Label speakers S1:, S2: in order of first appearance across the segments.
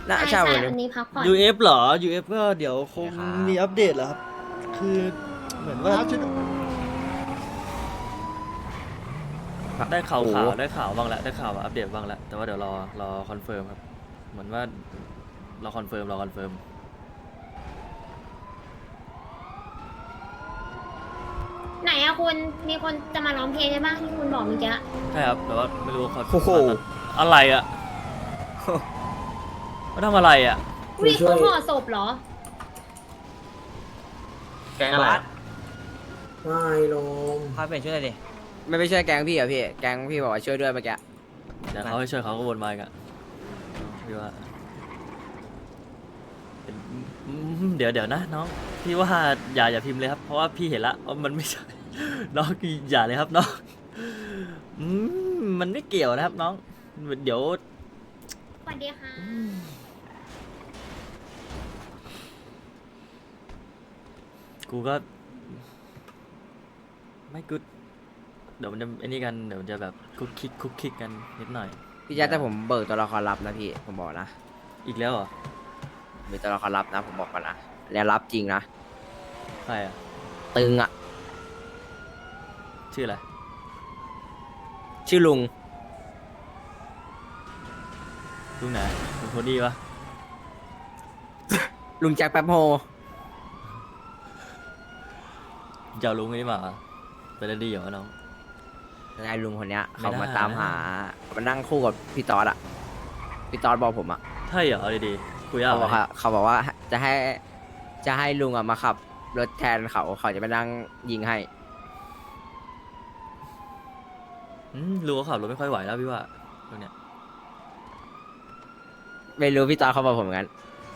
S1: น่า
S2: ใช่
S1: ใช่
S2: ใช่
S1: วันนี้
S2: อันนี้พักผ่อน
S3: UF เหรอ UF ก็เดี๋ยวคง
S1: ครับ
S3: มีอัปเดตแล้วครับ คือเหมือนว่าได้ข่าว
S1: โอ้
S3: ข่าวได้ข่าวบ้างแล้วได้ข่าวมาอัปเดตบ้างแล้ว แต่ว่าเดี๋ยวรอคอนเฟิร์มครับ เหมือนว่าเราคอนเฟิร์ม
S2: ไหนอะคุณมีคนจะมาร้องเพลงใช่ปะที่คุณบอกเมื่อกี้
S3: ใช่ครับ แต่ว่าไม่รู้ว่าเขา
S1: โอ้โห
S3: อะไรอ่ะเขาทำอะไรอ่ะ
S2: อุ้ยเขาห่อศพเหรอ
S3: แกงอะไรอะ
S4: ไม่ลง
S5: พาเปลี่ยนชุดเลยดิ
S1: ไม่ใช่แก๊งพี่เหรอพี่แก๊งพี่บอกว่าช่วยด้วยเมื่อกี้
S3: เดี๋ยวเขาให้ช่วยเขาก็วนมาอีกอะพี่ว่าเป็นเดี๋ยวนะน้องพี่ว่าอย่าพิมพ์เลยครับ เพราะว่าพี่เห็นละว่ามันไม่ใช่ น้องอย่าเลยครับน้องมันไม่เกี่ยวนะครับน้องเดี๋ยว
S2: สวัสดีค่ะ
S3: กูก็ ไม่กูเดี๋ยวมันจะไอ้นี่กันเดี๋ยวมันจะแบบคุกคิกกันนิดหน่อย
S1: พี่แจ๊คแต่ผมเบิกตัวละครลับนะพี่ผมบอกนะ
S3: อีกแล้วเหรอ
S1: มีตัวละครลับนะผมบอกก่อนนะแล้วรับจริงนะ
S3: ใครอ่ะ
S1: ตึงอ่ะ
S3: ชื่ออะไร
S1: ชื่อลุง
S3: ลุงไหนลุงโทนี่ปะ
S1: ลุงแจ็คแป๊บโฮ
S3: จะเอาลุงไอ้นี่มาเหรอไปเล่นดีเหรอน้อง
S1: ไอ้ลุงคนเนี้ย
S3: ไม่
S1: เขา
S3: ได้
S1: มาตามหามานั่งคู่กับพี่ตอดอ่ะพี่ตอดบอกผมอ่ะ
S3: ใช่เหรอเอาดีๆคุยยาก
S1: เขา
S3: ไห
S1: บอก
S3: ม
S1: ว่าเขาบอกว่าจะให้ลุงอ่ะมาขับรถแทนเขาจะไปนั่งยิงให้
S3: ลุงเขาขับรถไม่ค่อยไหวแล้วพี่ว่าตรงเนี้ย
S1: ไม่รู้พี่ตอดเขาบอกผมงั้น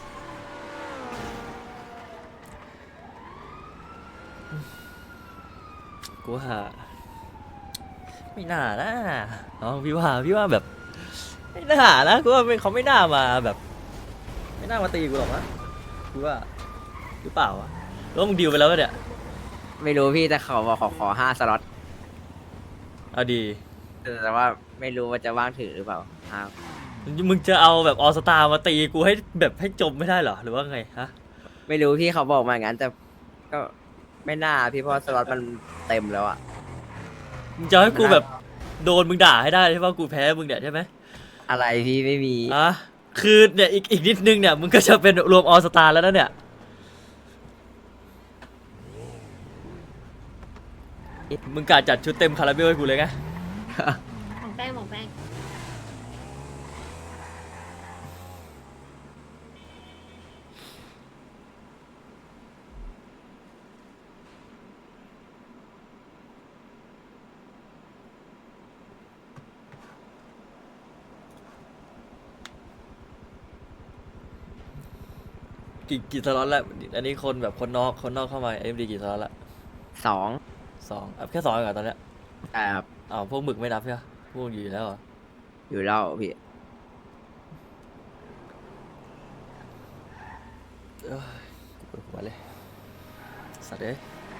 S3: กูว่าไม่น่านะน้องพี่ว่าแบบไม่น่านะกูว่าเขาไม่น่ามาแบบ ไม่น่ามาตีกูหรอกนะกูว่าหรือเปล่าวะแล้วมึงดีลไปแล้วปะเนี่ย
S1: ไม่รู้พี่แต่เขาบอกขอ5 สล็อต
S3: เอาดี
S1: แต่ว่าไม่รู้ว่าจะว่างถือหรือเปล่าครับ
S3: มึงจะเอาแบบออสตามาตีกูให้แบบให้จมไม่ได้เหรอหรือว่าไงฮะ
S1: ไม่รู้พี่เขาบอกมาอย่างนั้นแต่ก็ไม่น่าพี่เพราะสล็อตมันเต็มแล้วอะ
S3: มึงจะให้กูแบบโดนมึงด่าให้ได้ใช่ปะกูแพ้มึงเนี่ยใช่ไหม
S1: อะไรพี่ไม่มี
S3: อ่ะคือเนี่ยอีกนิดนึงเนี่ยมึงก็จะเป็นรวมออสตาแล้วนะเนี่ยมึงกะจัดชุดเต็มคาราเบลให้กูเลยไง
S2: ของแป้งของแป้ง
S3: กี่สล็อตแล้วอันนี้คนแบบคนนอกเข้ามาเอ็มดีกี่สล็อตละ
S1: 2
S3: 2อ่ะแค่2เองเหรอตอนเนี้ย
S1: แต่ครับ
S3: อ้าวพวกหมึกไม่นับใช่ไหมพวกอยู่แล้วเหรอ
S1: อยู่แล้วพี่
S3: ปวดหัวเลยสัตว์เอ้ย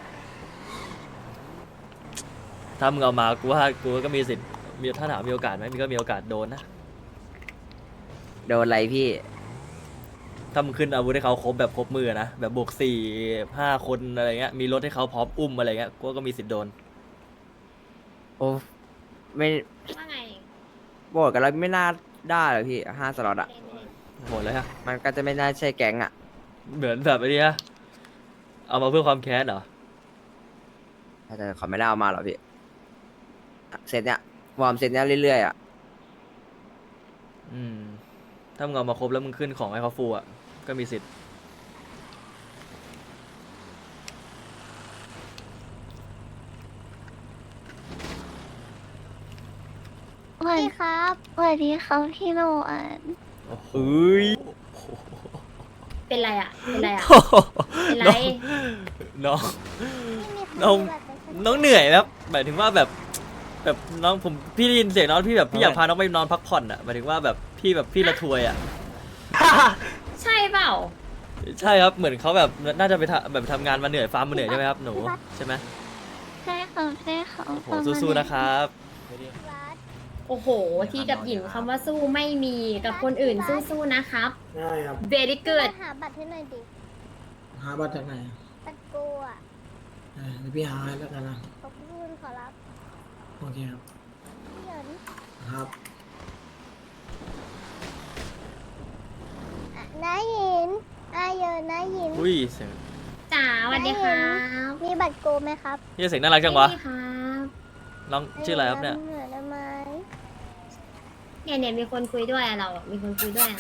S3: ถ้ามึงเอามากูก็มีสิทธิ์มีถ้าถามมีโอกาสไหมมีก็มีโอกาสโดนนะ
S1: โดนอะไรพี่
S3: ถ้ามึงขึ้นอาวุธให้เขาครบแบบครบมือนะแบบบวก4-5 คนอะไรเงี้ยมีรถให้เขาพร้อมอุ้มอะไรเงี้ยกูก็มีสิทธิ์โดน
S1: โอ้ไม่
S2: ว่าไง
S1: บอกกันแล้วไม่น่าได้หรอกพี่5 สล็อตอะ
S3: หมดเลยฮะ
S1: มันก็จะไม่น่าใช่แก๊งอะ
S3: เหมือนแบบไอ้นี่ฮะเอามาเพื่อความแค้นเหรอ
S1: แต่เขาไม่ได้เอามาหรอกพี่เซตเนี้ยวอร์มเซตเนี้ยเรื่อยๆอะ
S3: ถ้ามึงเอามาครบแล้วมึงขึ้นของให้เขาฟูอ่ะก็มีสิทธิ์
S6: สวัสดีครับสวัสดีครับพี่โนอัน
S3: โอ้โห
S2: เป็นไรอะเป็นไรอะ เป็นไร
S3: น้องน้องน้องเหนื่อยครับหมายถึงว่าแบบน้องผมพี่ได้ยินเสียงน้องพี่แบบพี่อยากพาน้องไปนอนพักผ่อนอ่ะหมายถึงว่าแบบพี่ละทวยอ่ะ
S2: ใช่เปล่า
S3: ใช่ครับเหมือนเขาแบบน่าจะไปแบบทำงานมาเหนื่อยฟาร์มมาเหนื่อยใช่ไหมครับหนูใช่ไหม
S6: ใช่ครับใช่ครับ
S3: โอ้โหสู้ๆนะครับ
S6: รัด
S2: โอ้โห ที่กับหญิงคำว่าสู้ไม่มีกับคนอื่นสู้ๆนะครับ
S4: ได้ครับ
S2: very
S6: เกิ
S2: good
S6: ดหาบัตรให้หน่อยดิ
S4: หาบัตรจากไหน
S6: บัตรโกอ่ะ
S4: เดี๋ยวพี่หาให้แล้วกันนะ
S6: ขอบคุณขอรับ
S4: โอเคครับ
S6: พี่เหยิน
S4: ครับ
S6: อ่ะน้าหยินอาเหยินน้าหยิน
S3: อุ้ยเสียง
S2: จ๋าสวัสดีครับ
S6: มีบัตรโกไหมครับ
S3: พี่เสียงน่ารักจังวะ
S2: นี่ครับ
S3: น้องชื่ออะไรครับเนี่ย
S6: เหมือนได้ไหม
S2: เนี่ยมีคนคุยด้วยอะเราอะมีคนคุยด้วยอะ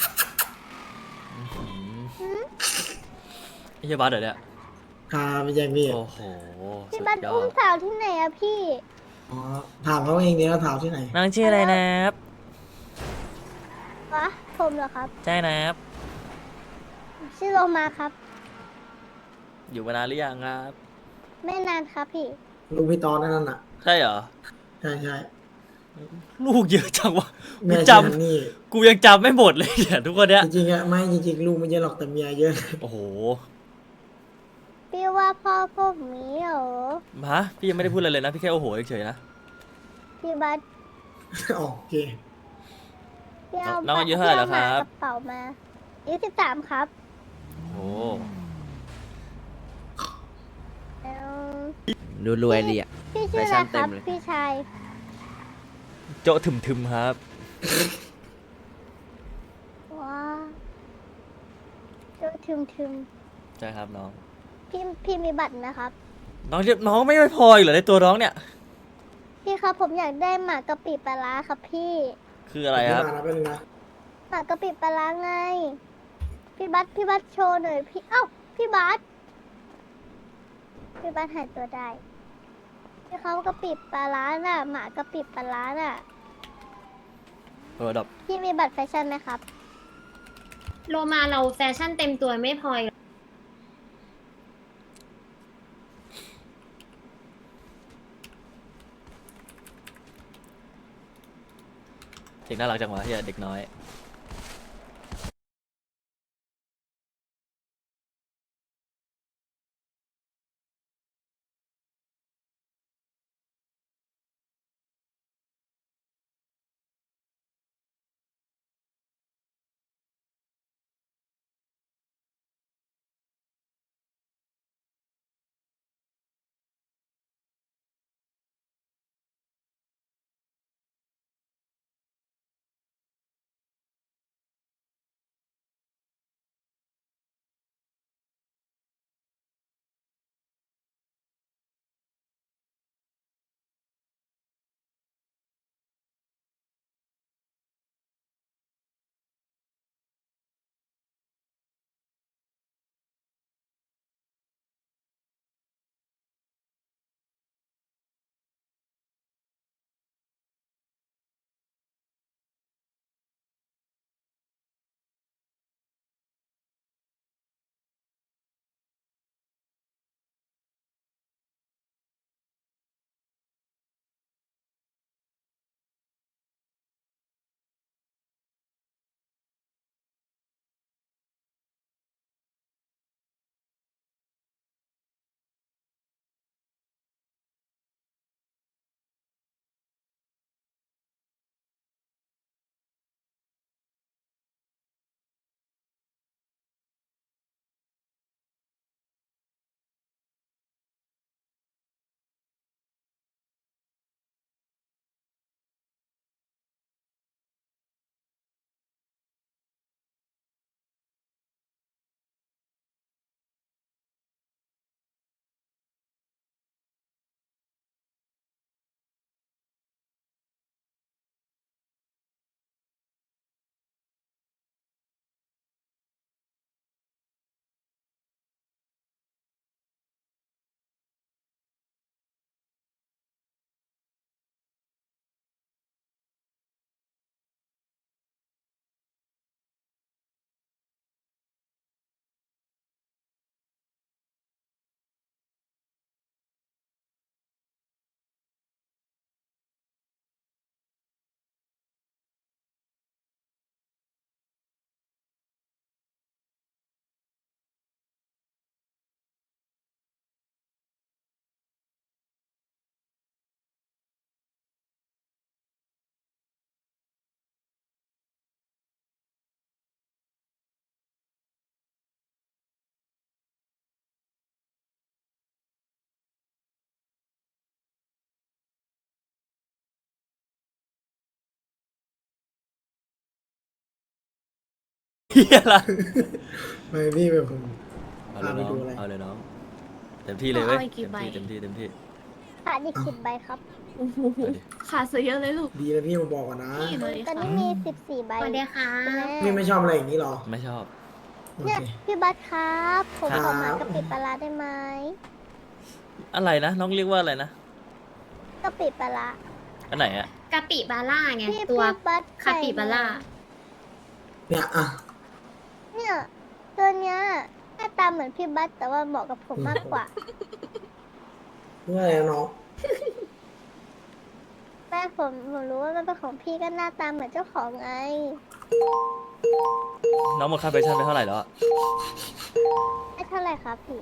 S3: ไอ้เฮียบัสเดี๋ยวเนี่ย
S4: ครับพี่แจ็คพี่
S3: โอ้โห
S6: พี่
S3: สุด
S6: บัตร
S3: ยอ
S6: อุ้ม
S3: ด
S6: สาวที่ไหนอะพี่
S4: อ๋อถามเขาเองเดียวถามที่ไหน
S3: น้องชื่ออะไรนะครับ
S6: วะผมเหรอครับ
S3: ใช่นะครับ
S6: ชื่อโลมาครับ
S3: อยู่มานานหรือยังครับ
S6: ไม่นานครับพี่
S4: ลูกพี่ตอนนั่นน่ะ
S3: ใช่เหรอ
S4: ใช่ใช่
S3: ลูกเยอะจังวะ
S4: แม่
S3: กู
S4: ชื่อ
S3: จ
S4: ฮันนี่
S3: ำกูยังจำไม่หมดเลยเนี่ยทุกคนเนี้ย
S4: จริงๆอะไม่จริงๆลูกไม่เยอะหรอกแต่เมียเยอะ
S3: โอ้โห
S6: พี่ว่าพ่อผมมีเหรอ
S3: มาพี่ยังไม่ได้พูดอะไรเลยนะ พี่แค่โอ้โหเฉยๆนะ
S6: พี่บัตร
S4: โอเค
S6: พี่เอา
S3: น้องอายุเท่าไหร่แล้วครับ
S6: พี่เอาหมากระเป๋ามาอายุ13ครับ
S3: โอ้
S6: เอา
S1: ดูรวยดีอ่ะ
S6: พี่ชื่ออะไร
S1: แฟชั่น
S6: ค
S1: เต็
S6: รั
S1: ม
S6: บ
S1: เลย
S6: พี่ชาย
S3: โจถึมๆครับ
S6: ว้าดูทึม
S3: ใช่ครับน้อง
S6: ๆพี่มีบัตรนะครับ
S3: น้องเรียกน้องไม่พออีกเหรอในตัวน้องเนี่ย
S6: พี่ครับผมอยากได้หมากกะปิปลาร้าครับพี่
S3: คืออะไรครับ
S4: พี่มานะเป็นงนะ
S6: หมากกะปิปลาร้าไง พี่บัตโชว์หน่อยพี่เอ้าพี่บัตหายตัวได้พี่เขากะปิปลาร้าน่ะหมากะปิปลาร้าน่ะ
S3: ดับ
S6: พี่มีบัตรแฟชั่นไหมครับ
S2: โลมาเราแฟชั่นเต็มตัวไม่พออีก
S3: เสียงน่ารักจังวะเฮียเด็กน้อยเฮียละ
S4: ไม่พี่แบบผม
S3: เอาเลยน้อง
S4: พาไปดูอะไร
S3: เอาเลยน้องเต็มที่เลยเว้ย
S2: เอาอีกกี่ใบ
S3: เต็มที่เต็มที่
S6: ขาดอีก10 ใบครับ
S2: โอ้โห
S3: เอาดิ
S2: ขาดซะเยอะเลยลูก
S4: ดีนะพี่มาบอกก่อนนะ
S2: นี่เลย
S6: ตอน
S2: ค่ะ
S6: นี้มี14 ใบ
S2: สวัสดีค่ะ
S4: พี่ไม่ชอบอะไรอย่างนี้หรอ
S3: ไม่ชอบ
S4: โอ
S6: เนี่ย
S4: เค
S6: พี่บัสครับ ผม
S3: ครับ
S6: ขอหมากะปิปลาร้าได้ไหม
S3: อะไรนะน้องเรียกว่าอะไรนะ
S6: กะปิปลาร้า
S3: อันไหนอะ
S2: กะปิบาร่าไง
S6: พี่
S2: ตัว
S6: พี่บัส
S2: คาปิบาร่า
S4: เนี่ยอ่ะ
S6: เนี่ยตัวเนี้ยหน้าตาเหมือนพี่บัสแต่ว่าเหมาะกับผมมากกว่า
S4: เมื่ออะไรนะน้อง
S6: แม่ผมรู้ว่ามันเป็นของพี่ก็หน้าตาเหมือนเจ้าของไง
S3: น้องหมดค่าแฟชั่นไปเท่าไหร่แล้วอะ
S6: ไม่เท่าไหร่ครับพี่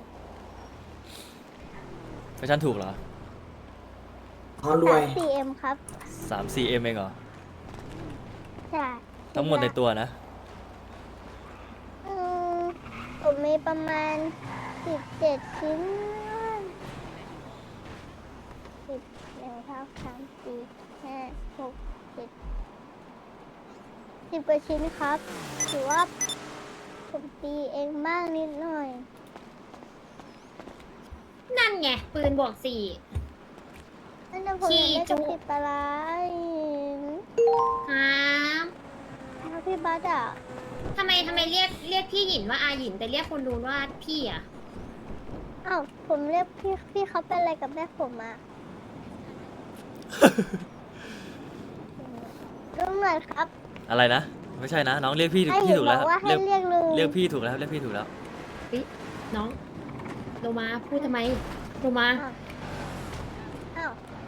S3: แฟชั่นถูกเหรอ
S4: อ๋อรวย
S6: 3-4M ครับ
S3: 3-4M เองเหรอ
S6: ใช่
S3: ทั้งหมดในตัวนะ
S6: อืมผมมีประมาณ17 ชิ้น10 กว่าชิ้นครับถือว่าผมตีเองบ้างนิดหน่อย
S2: นั่นไงปืนบวก4
S6: นั่นนะผมอยากได้กะปิปลาร้าอีก
S2: ครับ
S6: ถ้าพี่บัสอ่ะ
S2: ทำไมเรียกพี่หยินว่าอาหยินแต่เรียกคนดูว่าพี่อ่ะ
S6: อ้าวผมเรียกพี่เขาเป็นอะไรกับแม่ผมอ่ะ ลุงหน่อยครับ
S3: อะไรนะ ไม่ใช่นะ น้องเรียกพี่
S6: ไอ้
S3: พี่
S6: เห็น
S3: ถูก
S6: บ
S3: แล้
S6: อ
S3: ว
S6: กว่า
S3: เรี
S6: ให้
S3: ยก
S6: เรียกลุง
S3: เรียกพี่ถูกแล้วเรียกพี่ถูกแล้ว
S2: น้องโลมาพูดทำไมโลมา
S6: อ้าว